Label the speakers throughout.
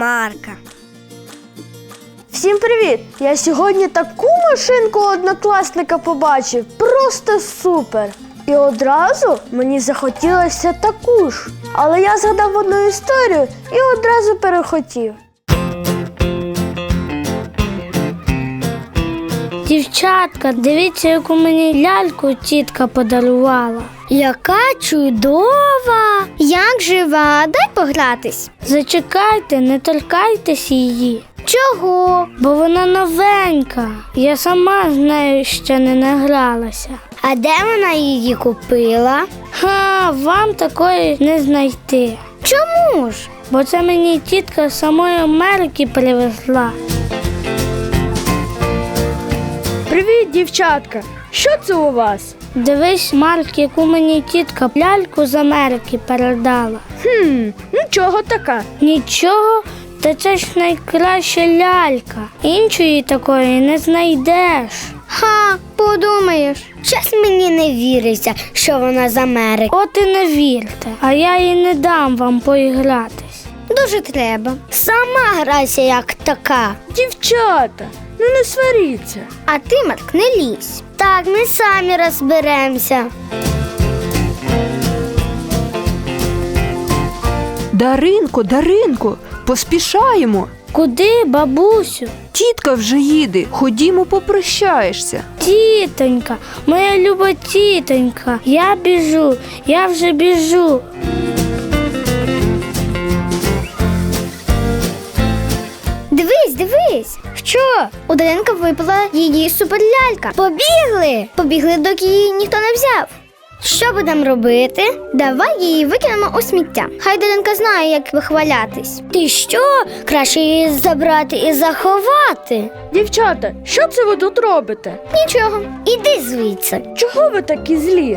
Speaker 1: Марка.
Speaker 2: Всім привіт! Я сьогодні таку машинку однокласника побачив. Просто супер! І одразу мені захотілося таку ж. Але я згадав одну історію і одразу перехотів.
Speaker 3: Дівчатка, дивіться, яку мені ляльку тітка подарувала.
Speaker 1: Яка чудова! Як жива? Дай погратись.
Speaker 3: Зачекайте, не торкайтесь її.
Speaker 1: Чого?
Speaker 3: Бо вона новенька. Я сама з нею ще не награлася.
Speaker 1: А де вона її купила?
Speaker 3: Вам такої не знайти.
Speaker 1: Чому ж?
Speaker 3: Бо це мені тітка з самої Америки привезла.
Speaker 2: Привіт, дівчатка! Що це у вас?
Speaker 3: Дивись, Марк, яку мені тітка ляльку з Америки передала.
Speaker 2: Нічого така.
Speaker 3: Нічого? Та це ж найкраща лялька. Іншої такої не знайдеш.
Speaker 1: Подумаєш. Щас мені не віриться, що вона з Америки.
Speaker 3: От і не вірте, а я їй не дам вам поігратись.
Speaker 1: Дуже треба. Сама грайся як така.
Speaker 2: Дівчата, не сваріться.
Speaker 1: А ти, Марк, не лізь. Так, ми самі розберемося.
Speaker 4: Даринко, поспішаємо.
Speaker 3: Куди, бабусю?
Speaker 4: Тітка вже їде, ходімо попрощаєшся.
Speaker 3: Тітонька, моя люба тітонька, я вже біжу.
Speaker 1: Дивись. Що? У Даринка випала її суперлялька. Побігли, доки її ніхто не взяв. Що будемо робити? Давай її викинемо у сміття. Хай Даринка знає, як вихвалятись. Ти що? Краще її забрати і заховати.
Speaker 2: Дівчата, що це ви тут робите?
Speaker 1: Нічого, іди звідси.
Speaker 2: Чого ви такі злі?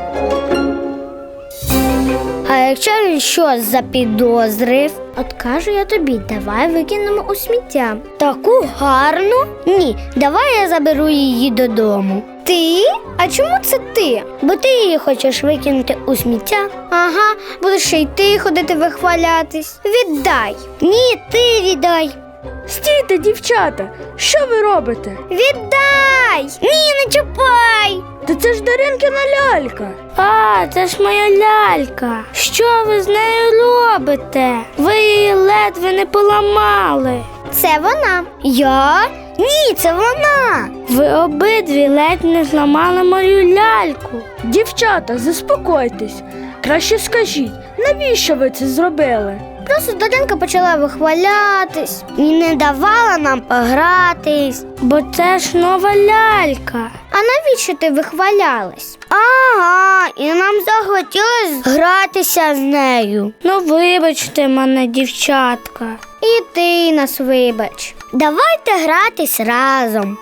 Speaker 1: А якщо він щось запідозрив, от кажу я тобі, давай викинемо у сміття. Таку гарну? Ні, давай я заберу її додому. Ти? А чому це ти? Бо ти її хочеш викинути у сміття. Ага, будеш ще й ти ходити вихвалятись. Віддай. Ні, ти віддай.
Speaker 2: Стійте, дівчата! Що ви робите?
Speaker 1: Віддай! Ні, не чіпай!
Speaker 2: Та це ж Даринкина лялька.
Speaker 3: Це ж моя лялька. Що ви з нею робите? Ви її ледве не поламали.
Speaker 1: Це вона. Я? Ні, це вона.
Speaker 3: Ви обидві ледь не зламали мою ляльку.
Speaker 2: Дівчата, заспокойтесь. Краще скажіть, навіщо ви це зробили?
Speaker 1: Просто Даринка почала вихвалятись і не давала нам погратись.
Speaker 3: Бо це ж нова лялька.
Speaker 1: А навіщо ти вихвалялась? Ага, і нам захотілось гратися з нею.
Speaker 3: Вибачте мене, дівчатка.
Speaker 1: І ти нас вибач. Давайте гратись разом.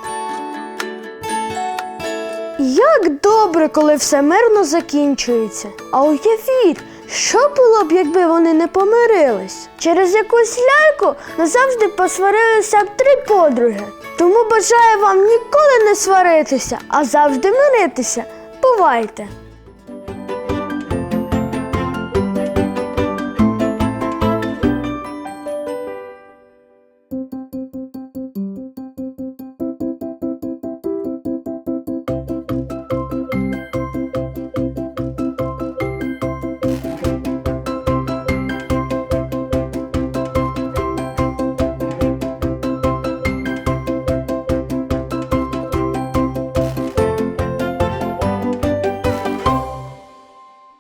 Speaker 2: Як добре, коли все мирно закінчується. А уявіть, що було б, якби вони не помирились? Через якусь ляльку назавжди посварилися б 3 подруги. Тому бажаю вам ніколи не сваритися, а завжди миритися. Бувайте!